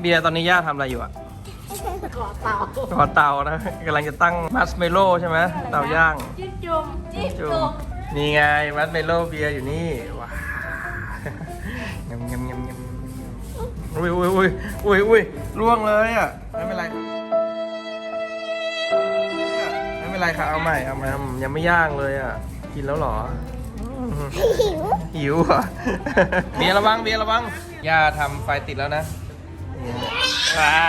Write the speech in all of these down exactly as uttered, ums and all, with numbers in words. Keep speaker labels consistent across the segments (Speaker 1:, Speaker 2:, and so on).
Speaker 1: เบียร์ตอนนี้ย่าทำอะไรอยู่อะ
Speaker 2: ก่อเตา
Speaker 1: ก่อเตานะกำลังจะตั้งมัสเมโล่ใช่ไหมเตาย่าง
Speaker 2: จิ้มจุ่มจิ้ม
Speaker 1: จุ่
Speaker 2: จุ่
Speaker 1: ม
Speaker 2: ม
Speaker 1: นี่ไงมัสเมโล่เบียร์อยู่นี่ว้ายำยำยำยำอุ้ยอุ้ยอุ้ยอุ้ยอุ้ยล่วงเลยอ่ะไม่เป็นไรไม่เป็นไรค่ะเอาใหม่เอาใหม่ยังไม่ย่างเลยอ่ะกินแล้วเหรอหิวหิวเหรอเบียร์ระวังเบียร์ระวังย่าทำไฟติดแล้วนะว้า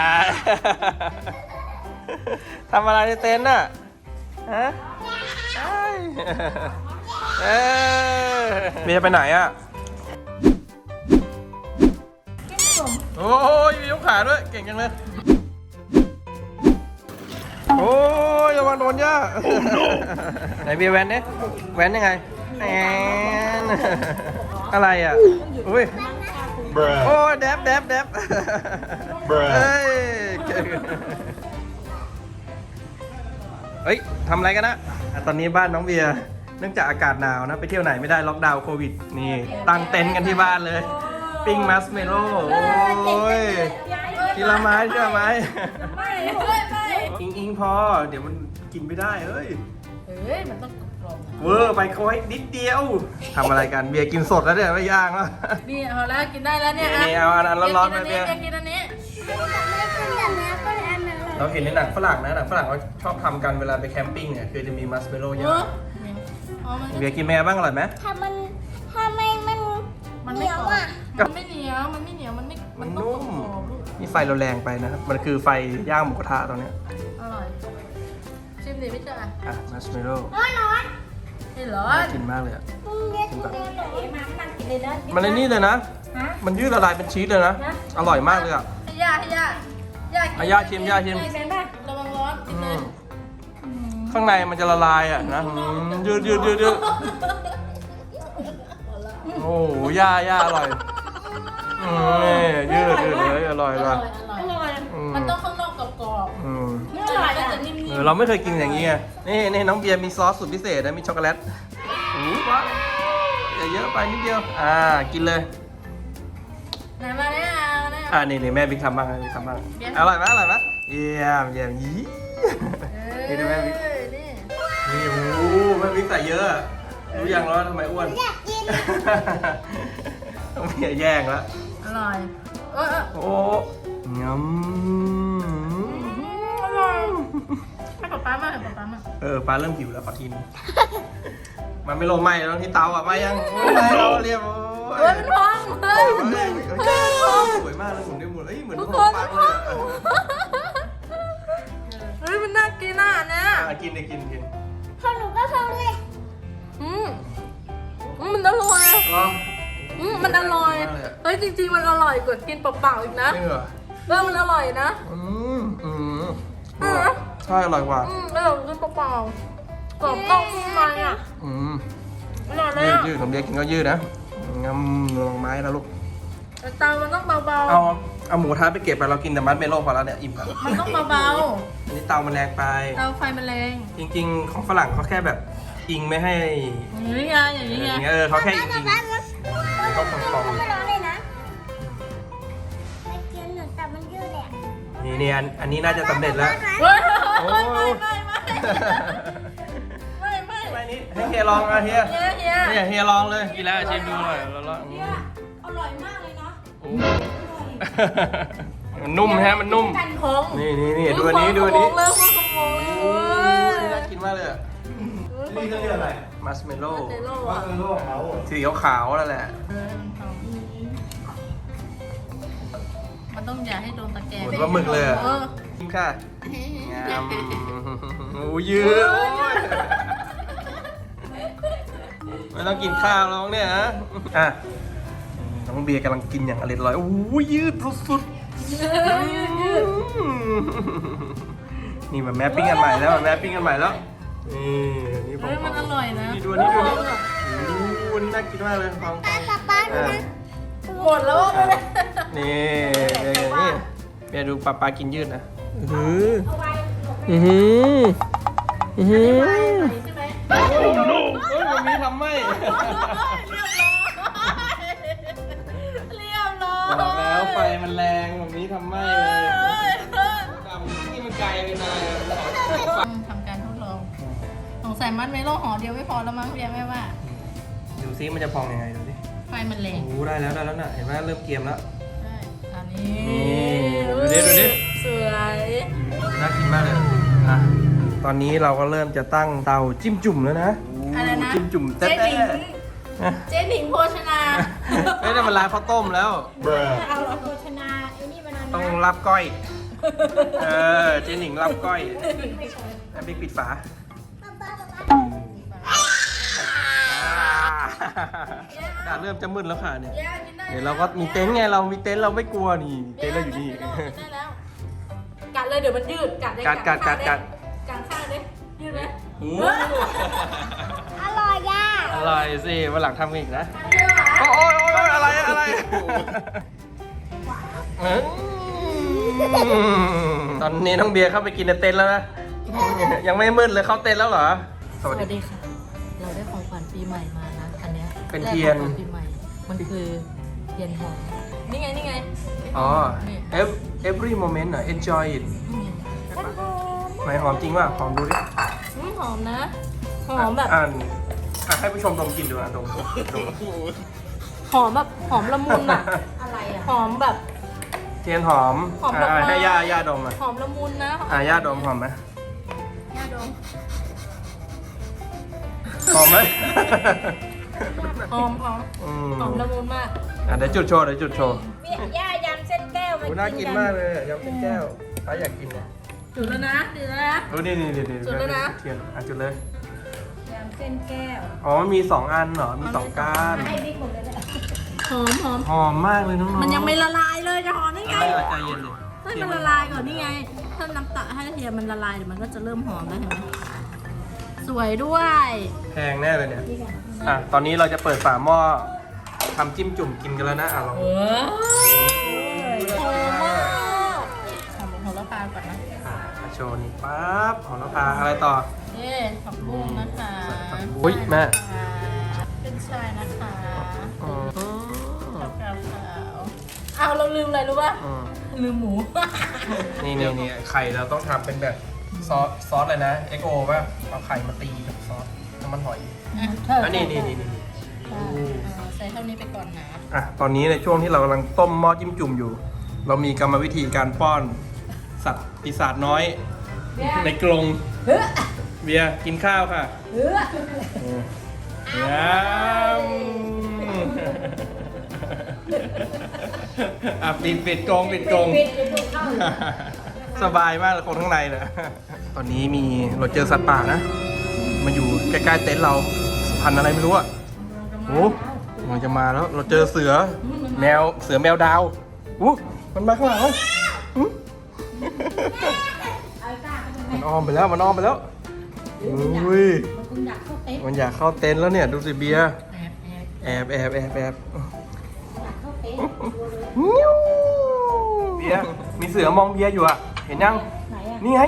Speaker 1: ทำอะไรในเต็นท์น่ะฮะเออเบียร์ไปไหนอ่ะโอ้ยมียกขาด้วยเก่งจังเลยโอ้ยระวังโดนย่าไหนเบียร์แว้นเนี่ยแว้นยังไงแอนอะไรอ่ะอุ้ยโอ้ยแดบแดบแดบเฮ้ยเฮ้ยทำอะไรกันนะตอนนี้บ้านน้องเบียร์เนื่องจากอากาศหนาวนะไปเที่ยวไหนไม่ได้ล็อกดาวน์โควิดนี่ตั้งเต็นท์กันที่บ้านเลยปิ้งมัสเมโล่โอ้ยทีละไม้ทีละไม้
Speaker 2: ไม่ไม่ไม่
Speaker 1: อิงอิงพอเดี๋ยวมันกินไม่ได้เอ้ย
Speaker 2: เฮ้ยมันต้องกรอบ
Speaker 1: เวอร์ไปเขาให้นิดเดียวทำอะไรกันเบียร์กินสดแล้วเนี่ยไม่ย่างแล้ว
Speaker 2: นี่เอาแล้วกินได้แล้วเนี่ย
Speaker 1: นี่เอาอันร้อนๆไปเบียร์
Speaker 2: กินอันนี้
Speaker 1: เราเห็นในหนังฝรั่งนะหนังฝรั่งเขาชอบทำกันเวลาไปแคมปิ้งเนี่ยคือจะมีมัสเมโล่เย
Speaker 2: เอ
Speaker 1: อะ
Speaker 2: อ
Speaker 1: เบียร์กินแม่บ้างอร่อยไหม
Speaker 3: ถ้ามันถ้าไม่มัน
Speaker 2: มัน
Speaker 3: เห
Speaker 2: ไม่
Speaker 3: นียว
Speaker 2: กรอบ
Speaker 3: อ่ะ
Speaker 2: มันไม่เหนียวมันไม่เหนียวมันไม่
Speaker 1: มัน
Speaker 2: ต้อง
Speaker 1: นุ่ม
Speaker 2: กรอบลูก
Speaker 1: นี่ไฟเราแรงไปนะครับมันคือไฟย่างหมูกระทะตอนเนี้ย
Speaker 2: อร่อยชิมดิพี่จ๋า
Speaker 1: อ่ะมัสเมโล่
Speaker 3: ร้อนร้อน
Speaker 2: นี่เหรอ
Speaker 1: น่ากินมากเลยอะ
Speaker 3: มึงเรียกกูเดินหน่อยมามันกินเลยนะ
Speaker 1: มันในนี่เลยนะ
Speaker 2: ฮะ
Speaker 1: มันยืดละลายเป็นชีสเลยนะอร่อยมากเลยอะ
Speaker 2: ให้ย่าให้ย่าย่ากิน
Speaker 1: อ่ะย่าชิมย่าชิม
Speaker 2: กินเป็นป่ะระวังร้อนกิน
Speaker 1: อื
Speaker 2: เลย
Speaker 1: มข้างในมันจะละลายอ่ะนะอืมยืดยืดยืดยืดโอ้โหย่าย่าอร่อยอืมนี่ยืดยืดเลยอร่อย
Speaker 2: อ
Speaker 1: อ
Speaker 2: ร่
Speaker 1: ร่
Speaker 2: อ
Speaker 1: อย ย
Speaker 2: อร่อย
Speaker 1: อืม
Speaker 2: มันต้องข้างนอกกรอบ
Speaker 1: อืม
Speaker 2: ๆไม่อร่อยก็จะนิ่ม
Speaker 1: เออเราไม่เคยกินอย่างนี้ไงนี่นี่น้องเบียร์มีซอสสูตรพิเศษนะมีช็อกโกแลตโอ้โหว้าวอย่าเยอะไปนิดเดียวอ่ากินเลย
Speaker 2: ๆไหนมาเนี่ยเอาเนี่ย
Speaker 1: อ่านี่นี่แม่บิ๊กทำบ้างแม่บิ๊กทำบ้างอร่อยไหมอร่อยไหมเยี่ยมเยี่ยมยี่นี่ดูแม่บิ๊ก
Speaker 2: เอ้ยนี่
Speaker 1: นี่โอ้โหแม่บิ๊กใส่เยอะรู้ยังแล้วทำไมอ้วน
Speaker 3: อยากกิน
Speaker 1: ต้องเพียแย่งแล้ว
Speaker 2: อร่อยเออเออ
Speaker 1: โอ้งำ
Speaker 2: อร่อยให้ป๊าป๊ามาให้ป๊าป๊ามา
Speaker 1: เออปลาเริ่มหิวแล้วขอทีนึงมันไม่ลงไหม้แล้วที่เตาอ่ะไหม้ยังไหม้แล้วเรียบโอ้
Speaker 2: เฮ้ยมันพองเฮ้ย
Speaker 1: เฮ้ย
Speaker 2: เฮ้ยมันพอง
Speaker 1: สวยมากเลยผมได้หมดเอ้ยเหมือน
Speaker 2: ทุก
Speaker 1: ข
Speaker 2: คน น
Speaker 1: มปั
Speaker 2: มั
Speaker 1: ง
Speaker 2: น
Speaker 1: เล
Speaker 2: พ
Speaker 1: ย
Speaker 2: อง
Speaker 1: อ่ะ
Speaker 2: เฮ้ยมันน่ากินอ่ะเนี่ย
Speaker 1: อ่ะกินเลยกินกิน
Speaker 3: ของหนูก็เข้าด้วย
Speaker 2: อืมอืมมันอร่อย
Speaker 1: ลอง
Speaker 2: อืมมันอร่อยเฮ้ยจริงๆมันอร่อยกว่ากินเปล่าๆอีกนะ
Speaker 1: จริงเหรอ
Speaker 2: เออมันอร่อยนะ
Speaker 1: อืมอืม
Speaker 2: อืม
Speaker 1: ใช่อร่อยกว่า
Speaker 2: อืมอร่อยกินเปล่าๆกรอบนอกนุ่มในอ่ะ
Speaker 1: อืม
Speaker 2: อร่อยเลย
Speaker 1: ยืด
Speaker 2: อ่ะ
Speaker 1: ยืดผมเบียร์กินก็ยืดนะงำลองไม้นะลูก
Speaker 2: แต่เตามันต้องเบา
Speaker 1: เอาเอาหมูกระทะไปเก็บไปเรากินแต่มัดเมโล่พอแล้วเนี่ยอิ่มแล้ว
Speaker 2: ๆมันต้องเบา
Speaker 1: อันนี้เตามันแรงไป
Speaker 2: ๆเตาไฟมันแรง
Speaker 1: จริงๆ ของฝรั่งเขาแค่แบบอิงไม่ให้
Speaker 2: อย่างนี้ไงอย่างนี้ไง
Speaker 1: อย่างเงี้ยเออเขาแค่อิงอิง
Speaker 3: บ้านมันเขาไม่ร้อนเลยนะไม่กินหนูแต่มันยืดเลย
Speaker 1: นี่นี่อันอันนี้น่าจะสำเร็จแล้ว
Speaker 2: เฮ้ย
Speaker 1: โอ้
Speaker 2: ไม่ไม่ไม่ไม่ไม่
Speaker 1: ไม่นี่ให้เฮียลองอ่ะเฮีย
Speaker 2: เฮียเฮีย
Speaker 1: เนี่ยเฮียลองเลยกินแล้วชิมดูหน่อยแล้วแล้ว
Speaker 3: อร่อยมากเลยเนาะ
Speaker 1: มันนุ่มฮะมันนุ่ม
Speaker 2: กันของ
Speaker 1: นี่นี่นี่ดูอันนี้ดูอันนี้
Speaker 2: เริ่มขโมย
Speaker 1: โอ้
Speaker 2: เลย
Speaker 1: ยน่ากินมากเลยอ่ะนี่เขาเรียกอะไรมัสเมโล่
Speaker 2: เจโร่อะ
Speaker 1: สีขาวๆนั่นแหละ
Speaker 2: เออมันต้องอย่าให้โดนตะแกรง
Speaker 1: เหมือนว่าหมึกเลยอะ
Speaker 2: เออ
Speaker 1: กินค่ะงามโอ้ยืดโอ้ยไม่ต้องกินข้าวแล้วเนี่ยฮะอ่ะน้องเบียร์กำลังกินอย่างอร่อยๆโอ้ยยืดสุดๆนี่มันแมปปิ้งกันใหม่แล้วมันแมปปิ้งกันใหม่แล้วนี่นี่ผม
Speaker 2: เฮ้ยมันอร่อยนะ
Speaker 1: นี่ดูนี่ดูนี่โอ้โหนี่น่ากินมากเลยฟัง
Speaker 3: ป้าป้าป้าดูนะ
Speaker 2: หมดแล้วไปเลย
Speaker 1: นี่เบียร์นี่เบียร์ดูปลาปลากินยืดนะอืออือหืออือหือ
Speaker 2: ใช่ไหม
Speaker 1: โอ้โหเฮ้ยมันมีทำไม่
Speaker 2: เรียบร้อยเรียบร้อย
Speaker 1: บอกแล้วไฟมันแรงแบบนี้ทำไหม้เลยดำนี่มันไกลเป็นอะไรอะ
Speaker 2: ทำการทดลองสงสัยมัดเมโลห่อเดียวไม่พอแล้วมั้งเรียกแม่ว่า
Speaker 1: ดูซิมันจะพองยังไงดูสิ
Speaker 2: ไฟมันแรง
Speaker 1: โอ้โหได้แล้วได้แล้วน่ะเห็นไหมเริ่มเกรียมแล้ว
Speaker 2: ใช่อันนี้
Speaker 1: นี่ดูดิดูดิ
Speaker 2: สวย
Speaker 1: น่ากินมากเลยอ่ะตอนนี้เราก็เริ่มจะตั้งเตาจิ้มจุ่มแล้วนะ
Speaker 2: อะไรนะ
Speaker 1: จิ้มจุ่ม
Speaker 2: เจ๊
Speaker 1: แต๊ะ
Speaker 2: หนิง
Speaker 1: อ่ะ
Speaker 2: เจ๊หนิงโภชนา
Speaker 1: ไม่ได้มาร้านข้าวต้มแล้ว
Speaker 2: เอาเหรอ
Speaker 3: โภชนาไอ้นี่มัน
Speaker 1: ต้องรับก้อย เออ เจนหนิงรับก้อยแล้วบิ๊กปิดฝาอ่าเริ่มจะมืดแล้วค่ะเนี่ย
Speaker 2: ย่ากินได้
Speaker 1: เดี๋ยวเราก็มีเต็นท์ไง เรามีเต็นท์เราไม่กลัวนี่ เต็นท์เราอยู่นี่
Speaker 2: กิได้แล้วกัดเลยเดี๋ยวมันยืดกัดเลย
Speaker 1: กัดกัดกัดกัด
Speaker 2: กัดข้างเลยยืดเลย
Speaker 1: โอ้
Speaker 3: อร่อยย่า
Speaker 1: อร่อยสิวันหลังทำอีกนะ
Speaker 2: อันเดียวเหรอ
Speaker 1: โอ้ยโอ้ยโอ้ยอะไรอะไรอืมตอนนี้น้องเบียร์เข้าไปกินในเต็นท์แล้วนะ ยังไม่มืดเลยเข้าเต็นท์แล้วเหรอ
Speaker 2: สวัสดีค่ะ เราได้ของขวัญปีใหม่มานะอันเนี้ย
Speaker 1: เป็นเทียน
Speaker 2: แรกของขวัญปีใหม่ มันคือเทียนหอมนี่ไงนี่ไง
Speaker 1: อ๋อ
Speaker 2: นี่
Speaker 1: Ev- every moment เหรอ enjoy it
Speaker 2: นี่ไง
Speaker 1: ไหนหอมจริงว่ะหอมดูดิ
Speaker 2: อืมหอมนะ หอมแบบ
Speaker 1: อ่านอ่ะให้ผู้ชมดมกลินดูอ่ะดมดมดม
Speaker 2: หอมแบบหอมละมุนอะอะไรอะหอมแบบ
Speaker 1: เทียนหอม
Speaker 2: หอมดอกไม้
Speaker 1: อ่ะให้ย่าย่าดมอ่ะ
Speaker 2: หอมละมุนนะ
Speaker 1: อ่ะย่าดมหอมไหม
Speaker 2: ย่าดม
Speaker 1: หอมไหม
Speaker 2: หอมหอม
Speaker 1: อืม
Speaker 2: หอมละมุนมาก
Speaker 1: อ่ะเดี๋ยวจุดโชว์เดี๋ยวจุดโชว์
Speaker 3: เนี่ยย่ายำเส้นแก้วมา
Speaker 1: โอ้น่ากินมากเลยอ่ะยำเป็นแก้วป้าอยากกินเนี่ย
Speaker 2: จุดแล้วนะจุดแล้วนะ
Speaker 1: ดูนี่นี่นี่นี่
Speaker 2: จุดแล้วนะ
Speaker 1: เทียนอ่ะจุดเลย
Speaker 3: ยำเส้นแก้ว
Speaker 1: อ๋อมันมีสองอันเหรอมีสองก้าน
Speaker 3: ให้บิ๊กหมดเลยแหละ
Speaker 2: หอมหอม
Speaker 1: หอมมากเลยน้องๆ
Speaker 2: มันยังไม่ละลายเลยจะหอมได้ไง
Speaker 1: ใจเย็นใจเย็นเลย
Speaker 2: ให้มันละลายก่อนนี่ไง ถ้าน้ำตาลให้เทียมมันละลายเดี๋ยวมันก็จะเริ่มหอมแล้วเห็นไหมสวยด้วย
Speaker 1: แพงแน่เลยเนี่ยอ่ะตอนนี้เราจะเปิดฝาหม้อทำจิ้มจุ่มกินกันแล้วนะอ่ะลอง
Speaker 2: เออหอมมากหอมหอมละพาก่อนนะ
Speaker 1: มาโชว์นี่ปั๊บหอมละพาอะไรต่อ
Speaker 2: เย้ผักบุ้งนะคะ
Speaker 1: อุ๊ยแม่
Speaker 2: เป็นชายนะคะ
Speaker 1: อืม
Speaker 2: กับกาขาวอ้าวเราลืมอะไรรู้ป่ะ
Speaker 1: อืม
Speaker 2: ลืมหมู
Speaker 1: นี่นี่นี่ไข่เราต้องทำเป็นแบบซอสซอสเลยนะเอ็กโอป่ะเอาไข่มาตีกับซอสน้ำมันหอยอันนี้นี่นี่นี่นี่
Speaker 2: อ่าใส่เท่านี้ไปก่อนนะ
Speaker 1: อ่ะตอนนี้ในช่วงที่เรากำลังต้มหม้อจิ้มจุ่มอยู่ เรามีกรรมวิธีการป้อนสัตว์ปีศาจน้อย ในกรงเบียร์กินข้าวค่ะยำอ่ะปิดปิดกรงปิดกรงสบายมากเลยคนข้างในเนี่ยตอนนี้มีเราเจอสัตว์ป่านะมาอยู่ใกล้ๆเต็นท์เราพันธุ์อะไรไม่รู้อ่ะโอ้มันจะมาแล้วเราเจอเสือแมวเสือแมวดาวอู้มันมาข้างหลังแล้วอื้อมันอ้อมไปแล้วมันอ้อมไปแล้วอุ้ย
Speaker 2: คุณอยากเข้าเต็นท์
Speaker 1: มันอยากเข้าเต็นท์แล้วเนี่ยดูสิเบียร์
Speaker 2: แอบแอบ
Speaker 1: แอบแอบแอบแอบ
Speaker 2: อยากเข้าเต็นท์
Speaker 1: นิ้วเบียร์มีเสือมองเบียร์อยู่อ่ะเห็นยัง
Speaker 2: ไหนอะ
Speaker 1: นี่ไง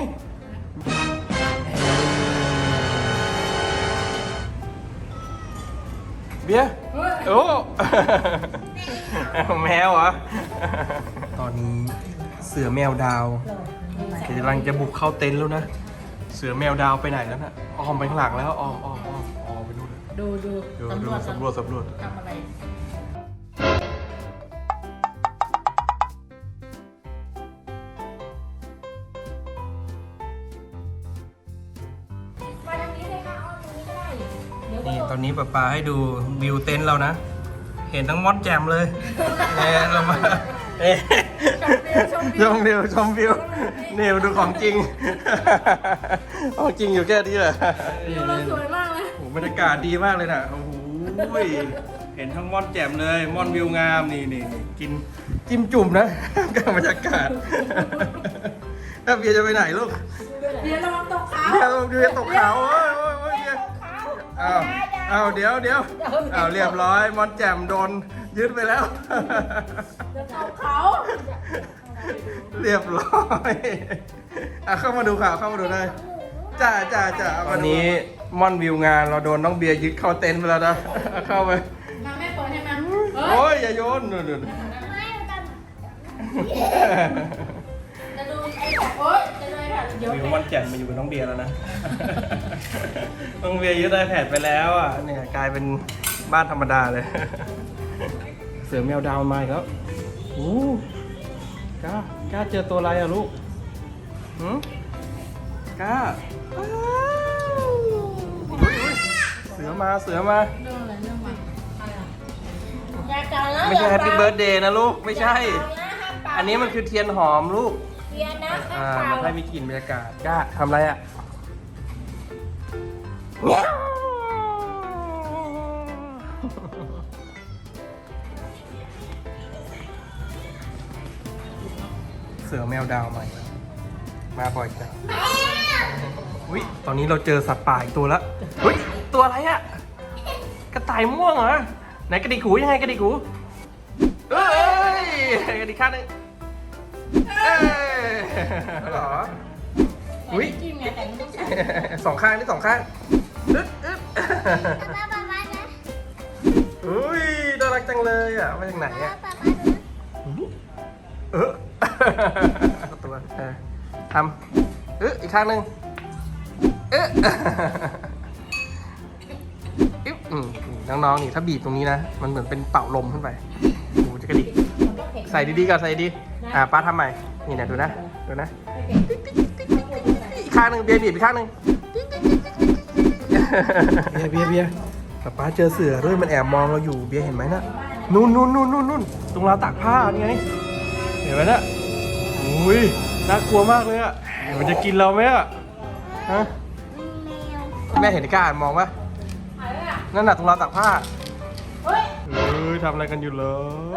Speaker 1: เบียร์โอ้ แมวเหรอ ตอนนี้เสือแมวดาวกำลังจะบุกเข้าเต็นท์แล้วนะ เสือแมวดาวไปไหนแล้วนะอ้อมไปข้างหลังแล้วอ้อมอ้อมอ้อมอ้อมไปนู่นเลย
Speaker 2: ดูดู
Speaker 1: ดูดูสำรวจสำรวจ
Speaker 2: ทำอะไรมาทางนี้เลยค่ะเอาทางนี้ก็ได้เดี๋ยวก็
Speaker 1: นี่
Speaker 2: ลง
Speaker 1: ตอนนี้ป้าปาให้ดูวิวเต็นท์เรานะ เห็นทั้งมอนแจมเลยเนี่ยเรามาเอ๊ะชมวิวชมวิวนี่มาดูของจริงของจริงอยู่แค่นี้แหละ
Speaker 2: วิวเราสวยมากเลย
Speaker 1: โอ้โหบรรยากาศดีมากเลยนะโอ้โหเห็นทั้งม่อนแจ่มเลยม่อนวิวงามนี่นี่นี่กินจิ้มจุ่มนะกับบรรยากาศถ้าเบียร์จะไปไหนลูก
Speaker 2: เดี๋ยวระวังตกเขา
Speaker 1: เบียร์เบียร์ตกเขาโอ้ยโอ้ยโอ้ยเบียร์อ้าวอ้าวเดี๋ยวเดี๋ยวอ้าวเรียบร้อยม่อนแจ่มโดนยึดไปแล้ว
Speaker 2: จะตกเขา
Speaker 1: เรียบร้อยอ่ะเข้ามาดูข่าวเข้ามาดูได้จ้าจ้าจ้าวันนี้ม่อนวิวงานเราโดนน้องเบียร์ยึดเข้าเต็นท์ไปแล้วนะเข้าไป
Speaker 2: มาแม่เปิดให้มา
Speaker 1: โอ้ยอย่าโยนนู่นนู่น
Speaker 3: ไม่มันจะ
Speaker 2: จะดูไอ้แบบโอ๊ยจะดูไอ้แบบเดี๋ยว
Speaker 1: วิวม่อนแจ่มมาอยู่กับน้องเบียร์แล้วนะ น้องเบียร์ยึดไอแพดไปแล้วอ่ะเนี่ยกลายเป็นบ้านธรรมดาเลย เสือแมวดาวมาอีกแล้วโอ้กล้ากล้าเจอตัวอะไรอ่ะลูกหืมกล้าอ้าวอุ๊ยอุ๊ยเสือมาเสือมา
Speaker 2: เรื่องอะไรเรื่องใหม่อะไรอ่ะอย่าจังนะ
Speaker 1: ไม่ใช่แฮปปี้เบิร์ดเดย์นะลูกไม่ใช่ อันนี้มันคือเทียนหอมลูก
Speaker 2: เบียร์นะ
Speaker 1: อ่า
Speaker 2: ห้าม
Speaker 1: มัน
Speaker 2: เป่า
Speaker 1: ให้มีกลิ่นบรรยากาศกล้าทำอะไรอ่ะเสือแมวดาวมาอีกแล้วมาบ่อยจังอุ้ยตอนนี้เราเจอสัตว์ป่าอีกตัวแล้วอุ้ยตัวอะไรอ่ะกระต่ายม่วงเหรอไหนกระดิกหูยังไงกระดิกหูเอ้ยกระดิกข้างหนึงเอ้ยเหรออุ้ย
Speaker 2: จิ้มไงแต่ไม่ต้องใช้
Speaker 1: สองข้างนี่สองข้างอึ๊ดอึ๊ด
Speaker 3: ป้าป้าป้านะ
Speaker 1: อุ้ยน่ารักจังเลยอ่ะมาจากไหน
Speaker 3: ป้า
Speaker 1: อ่ะ
Speaker 3: ป้าป้าดู
Speaker 1: เออตัวเออทำเอออีกข้างหนึ่งเอออึ๊บอืมน้องๆนี่ถ้าบีบตรงนี้นะ มันเหมือนเป็นเป่าลมขึ้นไปโอ้โหจะกระดิกใส่ดีๆก่อนใส่ดีๆอ่าป้าทำใหม่นี่นะดูนะดูนะอีกข้างหนึ่งเบียร์บีบอีกข้างหนึ่งเบียร์เบียร์เบียร์ป้าป้าเจอเสือด้วยมันแอบมองเราอยู่เบียร์เห็นไหมน่ะนู่นนู่นนู่นนู่นนู่นตรงราวตากผ้านี่ไงเห็นไหมน่ะอุ้ยน่ากลัวมากเลยอ่ะมันจะกินเราไหมอ่ะฮะ
Speaker 3: แมว
Speaker 1: แม่เห็นไอ้ก้าอ่านมองปะนั่นน่ะตรงราวตากผ้า
Speaker 2: เฮ้ย
Speaker 1: เอ้ยทำอะไรกันอยู่เหรอ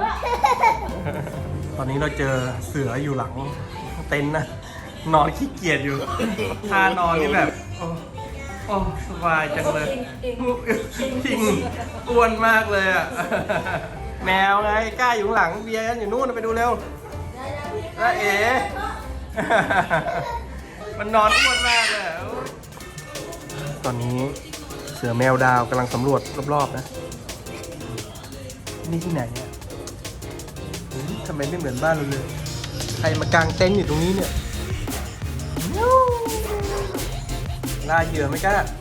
Speaker 1: ตอนนี้เราเจอเสืออยู่หลังเต็นท์นะนอนขี้เกียจอยู่ท่านอนนี่แบบโอ้โอ้สบายจังเลยจริงอ้วนมากเลยอ่ะ แมวไงกล้าอยู่ข้างหลังเบียร์กันอยู่นู่นไปดูเร็วน้าเอ๋ มันนอนอ้วนมากเลยอะตอนนี้เสือแมวดาวกำลังสำรวจรอบๆนะนี่ที่ไหนเนี่ยเฮ้ยทำไมไม่เหมือนบ้านเราเลย ใครมากางเต็นท์อยู่ตรงนี้เนี่ยล่าเหยื่อไหมก้า